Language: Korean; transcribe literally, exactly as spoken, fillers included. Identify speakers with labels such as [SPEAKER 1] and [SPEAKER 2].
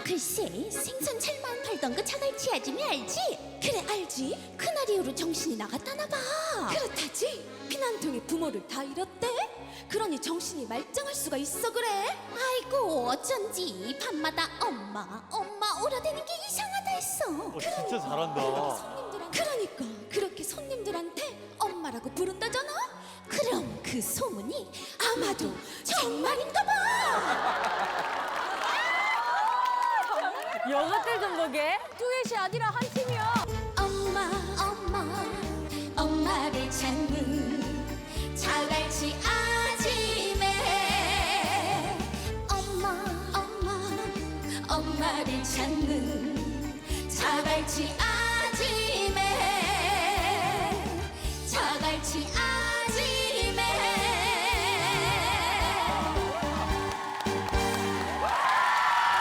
[SPEAKER 1] 글쎄, 생선 찰만 팔던 그 자갈치 아줌이 알지?
[SPEAKER 2] 그래 알지?
[SPEAKER 1] 그날 이후로 정신이 나갔다나 봐.
[SPEAKER 2] 그렇다지. 피난통에 부모를 다 잃었대. 그러니 정신이 말짱할 수가 있어 그래.
[SPEAKER 1] 아이고 어쩐지 밤마다 엄마 엄마 오라대는 게 이상하다 했어.
[SPEAKER 3] 어, 진짜 잘한다.
[SPEAKER 2] 손님들한테 그러니까 그렇게 손님들한테 엄마라고 부른다잖아.
[SPEAKER 1] 그럼 그 소문이
[SPEAKER 2] 아마도 정말인가 봐.
[SPEAKER 4] 여자들 좀 보게. 듀엣이 아니라 한 팀이야.
[SPEAKER 1] 엄마 엄마 엄마를 찾는 자갈치 아지매. 엄마 엄마 엄마를 찾는 자갈치 아지매. 자갈치 아